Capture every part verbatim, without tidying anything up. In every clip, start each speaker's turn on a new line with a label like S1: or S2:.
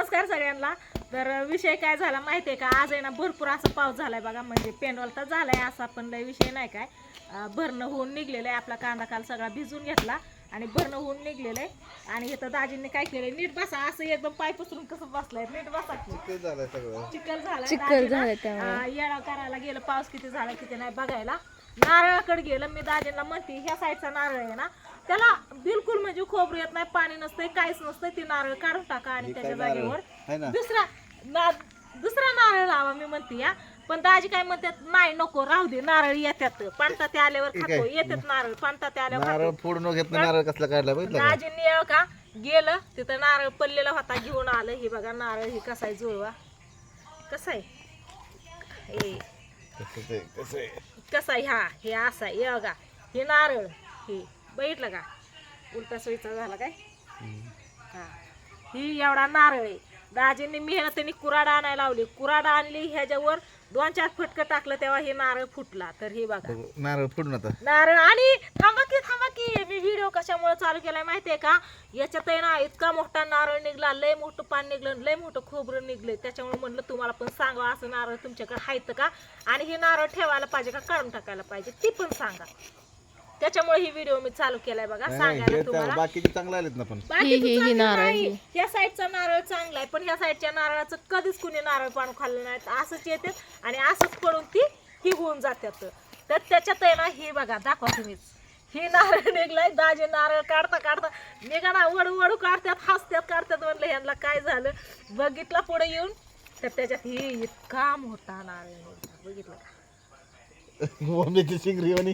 S1: नमस्कार सगळ्यांना. तर विषय काय झाला माहिती आहे का, आज आहे ना भरपूर असा पाऊस झालाय बघा. म्हणजे पेंडॉल तर झालाय असा, पण लय विषय नाही काय. भरणं होऊन निघलेलं आहे. आपला कांदा काल सगळा भिजून घेतला आणि भरणं होऊन निघलेलं आहे. आणि इथं दाजींनी काय केलंय, नीट बसा असं एकदम पाय पसरून कसं बसलाय, नीट बसा.
S2: चिखल झालाय सगळं,
S1: चिखल झाला
S3: चिखल झालाय त्यामुळे
S1: येळा करायला गेलं, पाऊस किती झाला किती नाही बघायला. नारळाकडे गेलं. मी दाजींना म्हणते ह्या साईडचा नारळ आहे ना, त्याला बिलकुल म्हणजे खोबरं येत नाही, पाणी नसतंय, काहीच नसतंय. ती नारळ काढून टाका आणि त्याच्या जागेवर दुसरा ना दुसरा नारळ लावा मी म्हणते या. पण दाजी काय म्हणतात, नाही नको राहू दे, नारळ येतात पाणता ते आल्यावर खातो, येतात नारळ पाणता ते आल्यावर
S2: नारळ फोडून घेत नारळ कसला काढला बघितलं का?
S1: दाजींनी येळ का गेलं तिथं नारळ पडलेला होता, घेऊन आलं. हे बघा नारळ, हे कसा आहे जुळवा, कसा आहे हे
S2: कसं आहे कसं आहे
S1: कसा आहे, हा हे असा आहे. हे बघा हे नारळ, हे बघितलं का उलटा सोयीचा झाला काय. हा ही एवढा नारळ आहे. दाजींनी मेहनतीने कुराडा आणायला लावली, कुराडा आणली, ह्याच्यावर दोन चार फटकं टाकलं तेव्हा हे नारळ फुटला. तर हे बघा
S2: नारळ फोडून आता
S1: नारळ. आणि थांबा की थांबा की मी व्हिडिओ कशामुळे चालू केलाय माहितीये का, याच्यात आहे ना इतका मोठा नारळ निघला, लय मोठं पान निघलं, लय मोठं खोबरं निघलंय. त्याच्यामुळे म्हणलं तुम्हाला पण सांगा, असं नारळ तुमच्याकडे आहेत का, आणि हे नारळ ठेवायला पाहिजे का काढून टाकायला पाहिजे ती पण सांगा. त्याच्यामुळे ही व्हिडिओ मी चालू केलाय बघा, सांगायला तुम्हाला.
S2: बाकीचे चांगले आलेत ना, पण
S1: बाकीचं चांगलं नाही. ह्या साईडचा नारळ चांगला आहे, पण ह्या साईडच्या नारळाचं कधीच कुणी नारळ पाणू खाल्लं नाही. असंच येतात आणि असंच पडून ती ही होऊन जातात. तर त्याच्यात आहे ना हे बघा, दाखवा तुम्हीच, ही नारळ निघलाय. दाजी नारळ काढता काढता निघा ना, वडू वडू काढतात, हसतात काढतात. म्हणलं ह्यांना काय झालं, बघितलं पुढे येऊन तर त्याच्यात ही इतका मोठा नारळ निघला, बघितलं का.
S2: मम्मीची शिंगरी म्हणे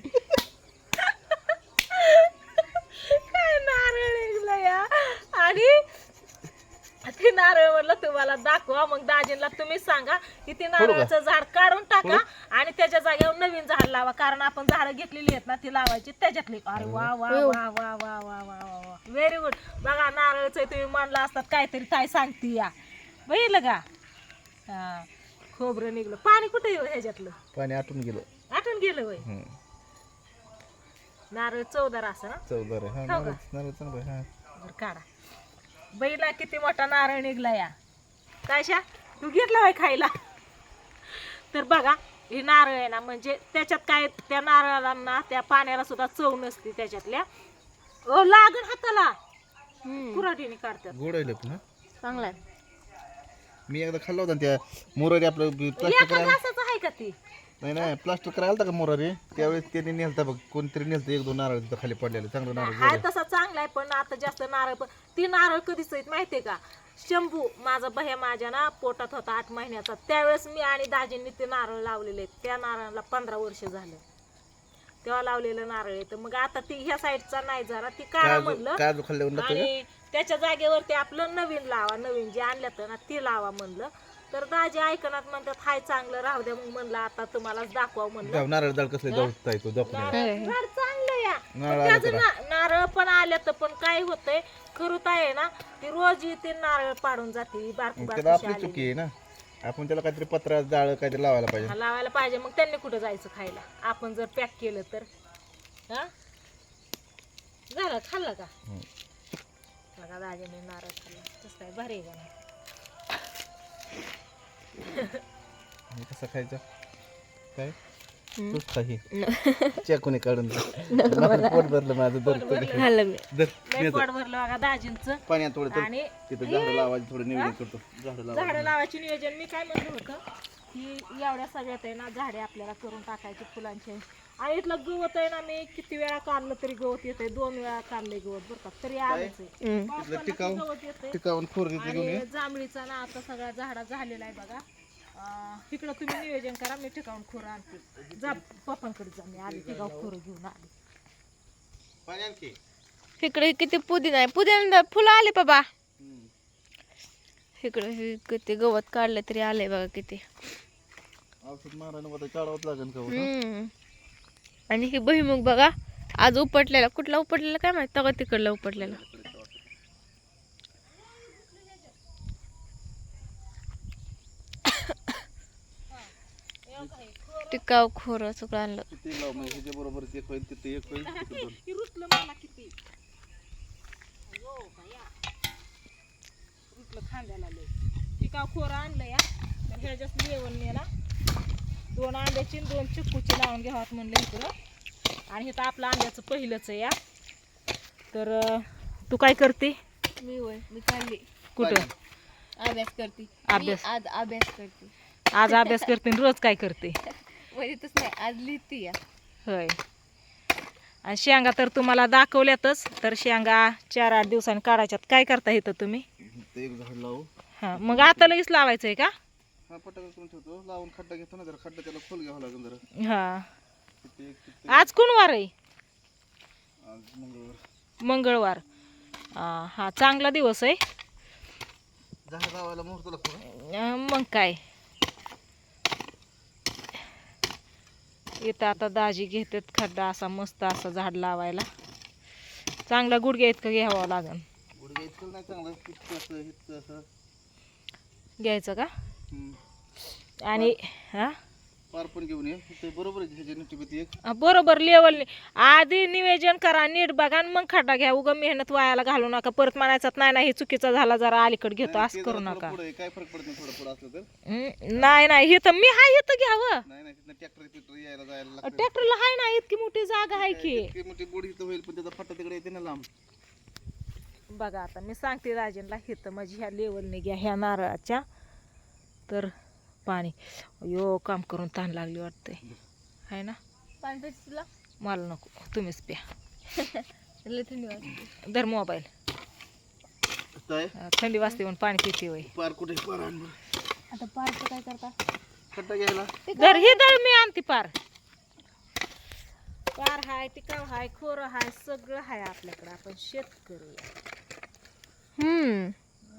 S1: आणि ते नारळ म्हणलं तुम्हाला दाखवा. मग दाजींना तुम्ही सांगा की ते नारळाचं झाड काढून टाका आणि त्याच्या जागेवर नवीन झाड लावा, कारण आपण झाडं घेतलेली आहेत ना ती लावायची त्याच्यातली. अरे वा वा वा वा वा वा वा वा वा व्हेरी गुड. बघा नारळचं तुम्ही मानला असतात काहीतरी काय सांगते या, बघितलं का. हा खोबरं निघलं, पाणी कुठे येऊ ह्याच्यातलं,
S2: पाणी आटून गेलं
S1: आटून गेलं वय. नारळ चौदार असं ना,
S2: चौदार आहे. हा नारळ नारळ चांगला आहे.
S1: बरं काढा. बैला किती मोठा नारळ निघला या. कायशा तू घेतला होय खायला. तर बघा हे नारळ आहे ना, म्हणजे त्याच्यात काय त्या नारळाला ना त्या पाण्याला सुद्धा चव नसते त्याच्यातल्या. ओ लागण हाताला कुऱ्हाडीने काढतात.
S2: गोड आहे पण हा
S3: चांगला आहे.
S2: मी एकदा खाल्ला होता त्या मोरारी आपलं प्लास्टिक
S1: एका घासाचं आहे का ती.
S2: नाही नाही प्लास्टिक करायला होता का मोरारी, त्यावेळेस त्याने नेलता बघ, कोणतरी नेलतं एक दोन नारळ तिथं खाली पडलेलं, चांगलं नारळ.
S1: हाय तसा चांगला आहे, पण आता जास्त नारळ पण ती नारळ कधीच आहेत माहितीये का. शंभू माझा भया माझ्या ना पोटात होता आठ महिन्याचा, त्यावेळेस मी आणि दाजींनी ते नारळ लावलेले. त्या नारळाला पंधरा वर्ष झालं तेव्हा लावलेलं नारळ आहे. तर मग आता ती ह्या साईडचा नाही जरा ती काढा म्हणलं,
S2: काजू खाल्ल्यावर
S1: आणि त्याच्या जागेवर ते आपलं नवीन लावा, नवीन जे आणलं ना ती लावा म्हणलं. तर दाजी ऐकनात म्हणतात हाय चांगलं राहू द्या. मग म्हणलं आता तुम्हालाच दाखवा म्हणलं.
S2: नारळ जाळ कसले जाऊ येतो
S1: झाड चांगलं या, पण त्याचं ना- नारळ पण आलं तर पण काय होतंय, खरुत आहे ना ती रोज येते नारळ पाडून जाते. बारकी
S2: त्याला आपली
S1: बारकी
S2: चुकी आहे ना, आपण त्याला काहीतरी पत्रा जाळ काहीतरी लावायला पाहिजे.
S1: लावायला पाहिजे. मग त्यांनी कुठं जायचं खायला, आपण जर पॅक केलं तर. हा झालं खाल्लं का बघा दाजीने नारळ खाल्ला, कसं काय भारी आहे का नाही.
S2: कसं खायचं काय तूच काही चेकोने काढून पोट भरलं माझं. दर
S1: लय पोट भरलं बघा दाजींचं.
S2: पाण्यात थोडं
S1: आणि
S2: तिथं झाडं लावायचं थोडं नियोजन करतो. झाडं लावा
S1: झाडं लावायची नियोजन मी काय म्हणलं होतं की एवढ्या सगळ्यात आहे ना झाडे आपल्याला करून टाकायची फुलांचे. आणि इथलं गवत आहे ना, मी किती वेळा काढलं तरी गवत येते, दोन वेळा काढलंय गवत बरं का, तरी आलंच आहे.
S2: टिकाऊ
S1: गवत येते.
S2: टिकावून फोर घेतलं घेऊन ये.
S1: आणि जांभळीचा ना आता सगळा झाडा झालेला आहे बघा. तिकडं तुम्ही नियोजन करा, मी टिकाऊन खोरं आणते. जा पप्पांकडे जा, मी आली टिकाऊ खोरं घेऊन आली.
S2: पाणी आणखी
S3: इकडे किती पुदिना आहे, पुदिना फुलं आले बाबा. इकडे हे किती गवत काढलं तरी आलंय बघा किती.
S2: औषध मारायला होतं काढावंच लागेल का.
S3: हम्म आणि हे भुईमुग बघा आज उपटलेला, कुठला उपटलेला काय माहित, तवा तिकडला उपटलेला. टिकाव खोर सगळं आणलं.
S2: किती लाव म्हणजे ह्याच्या बरोबर एक होईल तिथे एक होईल तिथे दोन.
S1: ही रुसलं मला किती रुसलं खांद्याला लय. टिकाव खोरं आणलं या तर ह्याच्यात लेवलने ना दोन आंब्याची आणि दोन चिक्कूची लावून घ्यावात म्हणलं इकडं. आणि इथं आपलं आंब्याचं पहिलंच आहे या. तर अं, तू काय करते?
S3: मी होय मी चालली
S1: कुठं?
S3: अभ्यास करते.
S1: अभ्यास.
S3: मी आज अभ्यास करते.
S1: आज अभ्यास करते आणि रोज काय करते?
S3: वहीतच नाही, आज लिहिते या.
S1: होय. आणि शेंगा तर तुम्हाला दाखवल्यातच. तर शेंगा चार आठ दिवसांनी काढायच्यात. काय करता इथं तुम्ही?
S2: इथं एक झाड लावू.
S1: हां मग आता लगेच लावायचं आहे का?
S2: हा पटाका करून ठेवतो, लावून खड्डा घेतो ना जरा, खड्डा त्याला खोल घ्यावा लागेल जरा.
S1: हां
S2: तिथे एक तिथे
S1: आज कोण वार आहे?
S2: आज मंगळवार.
S1: मंगळवार. अं, हा चांगला दिवस आहे.
S2: झाड लावायला मुहूर्त लागतो का?
S1: अं, मग काय इथं आता दाजी घेतात खड्डा असा मस्त असा झाड लावायला. चांगला गुडघ्या इतकं घ्यावं लागेल.
S2: गुडघ्या इतकं नाही चांगलं, इतकं असं इतकं असं.
S1: घ्यायचं का?
S2: हम्म.
S1: आणि हा
S2: पार पण घेऊन ये इथे बरोबर आहे ह्याच्या नीट एक.
S1: हा, बरोबर लेवलने आधी नियोजन करा, नीट बघा आणि मग खड्डा घ्या. उगा मेहनत वायाला घालू नका. परत म्हणायचं नाही ना हे चुकीचा झाला, जरा अलीकडे घेतो, असं करू नका.
S2: पुढे काय फरक पडत नाही, थोडं पुढे असलं तर.
S1: हम्म, नाही नाही हे तर मी हाय इथं घ्यावं.
S2: नाही नाही तिथं ट्रॅक्टर ट्रॅक्टर यायला जायला लागतं.
S1: ट्रॅक्टरला हाय ना इतकी मोठी जागा आहे की.
S2: इतकी मोठी बोडी इथं होईल पण त्याचा फटा तिकडे येते ना लांब.
S1: बघा आता मी सांगते राजेंला हिथं म्हणजे ह्या लेवलने घ्या ह्या नारळाच्या. तर पाणी यो काम करून ताण लागली वाटतंय आहे ना.
S3: पाणी प्यायचं तुला?
S1: मला नको, तुम्हीच प्या.
S3: लय थंडी वाजते.
S1: धर मोबाईल.
S2: काय
S1: थंडी वाजते म्हणून पाणी पिते वय.
S2: पार कुठे पार आण बरं.
S3: आता पारचं काय करता?
S2: खड्डा घ्यायला
S1: धर हे धर मी आणते पार. पार हाय, टिकाव हाय, खोरं हाय, सगळं हाय आपल्याकडं. आपण शेतकरी आहे.
S3: हम्म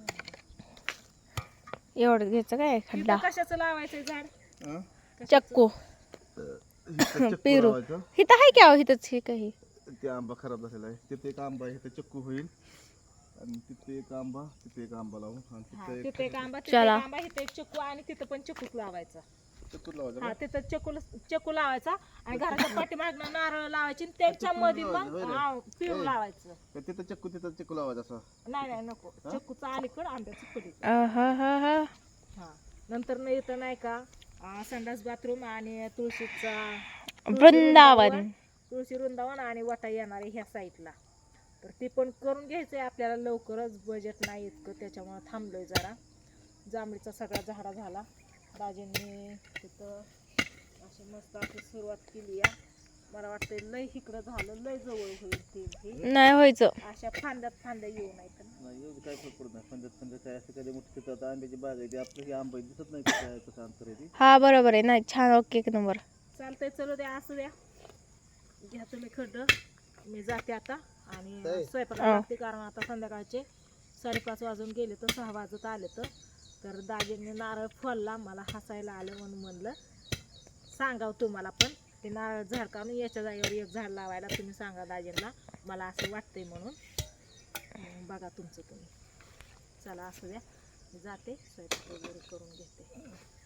S3: एवढं घ्यायचं काय खड्डा?
S1: इथं कशाचं लावायचंय झाड?
S2: हं?
S3: चक्कू
S2: इथं चक्कू
S3: पेरू
S2: लावायचं.
S3: हिथं आहे की अहो हिथंच हे काही.
S2: ते आंबा खराब झालेला आहे. तिथे एक आंबा आहे, इथे चक्कू होईल. आणि तिथे एक आंबा, तिथे एक आंबा लावू. आणि
S1: हा,
S2: तिथे
S1: तिथं
S2: एक
S1: एक आंबा, तिथं
S3: चला.
S1: एक आंबा, इथं एक चक्कू आणि तिथं पण चक्कूच लावायचा.
S2: चक्कू लावायचं
S1: हा
S2: का?
S1: तिथं चक्कू चक्कू लावायचा आणि घराच्या पाठीमागनं नारळ लावायची आणि त्याच्या मध्ये मग
S2: लावायचं,
S1: हा, पेरू
S2: होय.
S1: लावायचं.
S2: का तिथं चक्कू तिथं चक्कू लावायचं असं.
S1: नाही नाही नको, चक्कूचा अलीकडं आंब्याचं पडी.
S3: हा हा हा
S1: हा नंतर न येतं नाही का अं, संडास बाथरूम आणि तुळशीचा
S3: वृंदावन.
S1: तुळशी वृंदावन आणि वाटा येणार आहे ह्या साईडला. तर ते पण करून घ्यायचंय आपल्याला लवकरच. बजेट नाही इतकं त्याच्यामुळे थांबलोय जरा. जांभळीचा सगळा झाडा झाला. राजेंनी तिथं अशी मस्त अशी सुरुवात केली आहे. मला वाटतंय लय इकडं झालं, लय जवळ होईल ते हे.
S3: नाही व्हायचं.
S1: अशा फांद्यात फांद्या येऊ नाही तर
S2: नाही एवढं काय फरक पडत नाही. पंजाब पंजाब काय असं कधी मोठी तिथं आता आंब्याची बाग आहे ती, आपलं हे आंबा दिसत नाही कसं आहे, कसं अंतर आहे ती.
S3: हा बरोबर आहे. नाही छान ओके एक नंबर.
S1: चालतंय. चलो द्या असं द्या, घ्या तुम्ही खड्ड. मी जाते आता आणि
S2: ताई.
S1: स्वयंपाकाला लागते कारण आता संध्याकाळचे साडेपाच वाजून गेले तर सहा वाजत आले. तर तर दाजींनी नारळ फोडला. मला हसायला आलं म्हणून म्हणलं सांगाव तुम्हाला पण. ते नारळ झाड काढून याच्या जागेवर एक झाड लावायला तुम्ही सांगा दाजींना, मला असं वाटतंय म्हणून. मग बघा तुमचं तुम्ही. चला असं द्या, मी जाते स्वयंपाक वगैरे करून घेते.